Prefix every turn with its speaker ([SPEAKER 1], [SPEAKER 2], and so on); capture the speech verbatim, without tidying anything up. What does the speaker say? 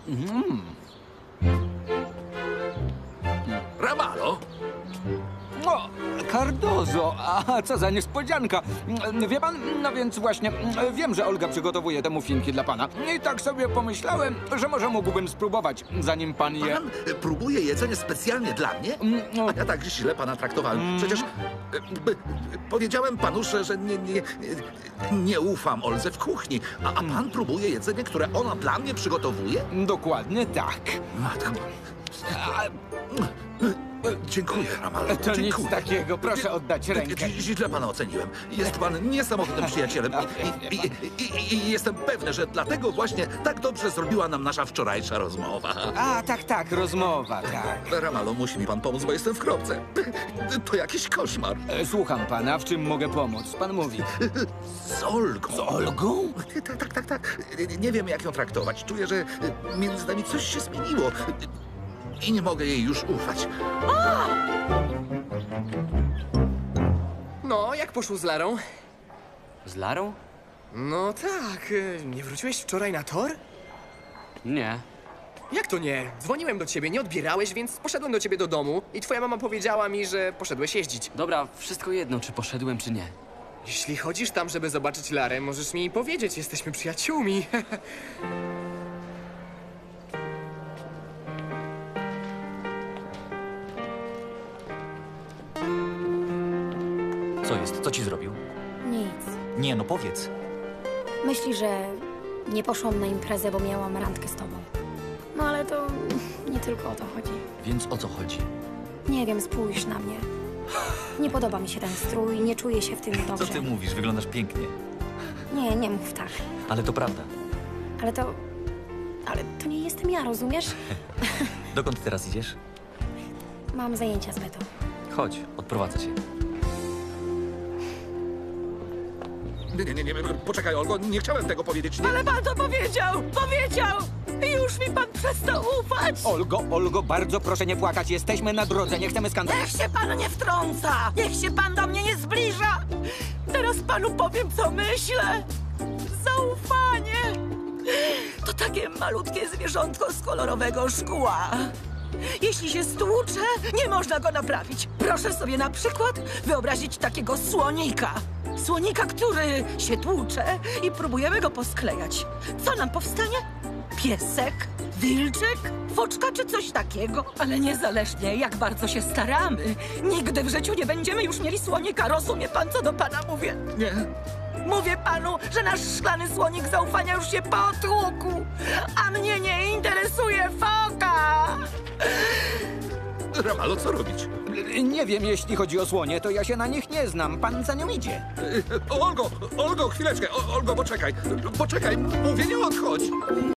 [SPEAKER 1] Mm.
[SPEAKER 2] Ramalo?
[SPEAKER 1] O, Cardozo, a co za niespodzianka. Wie pan, no więc właśnie, wiem, że Olga przygotowuje te muffinki dla pana. I tak sobie pomyślałem, że może mógłbym spróbować, zanim pan je...
[SPEAKER 2] Pan próbuje jedzenie specjalnie dla mnie? A ja tak źle pana traktowałem. Przecież e, b, powiedziałem panu, że, że nie, nie, nie ufam Oldze w kuchni. A, a pan próbuje jedzenie, które ona dla mnie przygotowuje?
[SPEAKER 1] Dokładnie tak.
[SPEAKER 2] Matko... Dziękuję, Ramalo.
[SPEAKER 1] To
[SPEAKER 2] Dziękuję.
[SPEAKER 1] nic takiego, proszę oddać rękę.
[SPEAKER 2] Źle pana oceniłem. Jest pan niesamowitym przyjacielem i, i, i, i, i jestem pewny, że dlatego właśnie tak dobrze zrobiła nam nasza wczorajsza rozmowa.
[SPEAKER 1] A, tak, tak, rozmowa, tak.
[SPEAKER 2] Ramalo, musi mi pan pomóc, bo jestem w kropce. To jakiś koszmar.
[SPEAKER 1] E, Słucham pana, w czym mogę pomóc? Pan mówi.
[SPEAKER 2] Z Olgą.
[SPEAKER 1] Z Olgą?
[SPEAKER 2] Tak, tak, tak, tak. Nie wiem, jak ją traktować. Czuję, że między nami coś się zmieniło. I nie mogę jej już ufać.
[SPEAKER 3] No, jak poszło z Larą?
[SPEAKER 4] Z Larą?
[SPEAKER 3] No tak, y, nie wróciłeś wczoraj na tor?
[SPEAKER 4] Nie.
[SPEAKER 3] Jak to nie? Dzwoniłem do ciebie, nie odbierałeś, więc poszedłem do ciebie do domu i twoja mama powiedziała mi, że poszedłeś jeździć.
[SPEAKER 4] Dobra, wszystko jedno, czy poszedłem, czy nie.
[SPEAKER 3] Jeśli chodzisz tam, żeby zobaczyć Larę, możesz mi powiedzieć, jesteśmy przyjaciółmi.
[SPEAKER 5] Co jest? Co ci zrobił?
[SPEAKER 6] Nic.
[SPEAKER 5] Nie, no powiedz.
[SPEAKER 6] Myśli, że nie poszłam na imprezę, bo miałam randkę z tobą. No ale to nie tylko o to chodzi.
[SPEAKER 5] Więc o co chodzi?
[SPEAKER 6] Nie wiem, spójrz na mnie. Nie podoba mi się ten strój, nie czuję się w tym
[SPEAKER 5] Co
[SPEAKER 6] dobrze.
[SPEAKER 5] ty mówisz? Wyglądasz pięknie.
[SPEAKER 6] Nie, nie mów tak.
[SPEAKER 5] Ale to prawda.
[SPEAKER 6] Ale to... Ale to nie jestem ja, rozumiesz?
[SPEAKER 5] Dokąd teraz idziesz?
[SPEAKER 6] Mam zajęcia z Betą.
[SPEAKER 5] Chodź, odprowadzę cię.
[SPEAKER 2] Nie, nie, nie, nie. Poczekaj, Olgo, nie chciałem tego powiedzieć. Nie.
[SPEAKER 7] Ale pan to powiedział! Powiedział! I już mi pan przestał ufać!
[SPEAKER 1] Olgo, Olgo, bardzo proszę nie płakać. Jesteśmy na drodze, nie chcemy skandalu.
[SPEAKER 7] Niech się pan nie wtrąca! Niech się pan do mnie nie zbliża! Teraz panu powiem, co myślę. Zaufanie! To takie malutkie zwierzątko z kolorowego szkła. Jeśli się stłucze, nie można go naprawić. Proszę sobie na przykład wyobrazić takiego słonika. Słonika, który się tłucze i próbujemy go posklejać. Co nam powstanie? Piesek? Wilczek? Foczka czy coś takiego? Ale niezależnie, jak bardzo się staramy, nigdy w życiu nie będziemy już mieli słonika. Rozumie pan, co do pana mówię?
[SPEAKER 2] Nie.
[SPEAKER 7] Mówię panu, że nasz szklany słonik zaufania już się potłukł, a mnie nie interesuje foka!
[SPEAKER 2] Ramalo, co robić?
[SPEAKER 1] Nie wiem, jeśli chodzi o słonie, to ja się na nich nie znam. Pan za nią idzie.
[SPEAKER 2] Olgo, Olgo, chwileczkę. O, Olgo, poczekaj. Poczekaj, mówię, nie odchodź.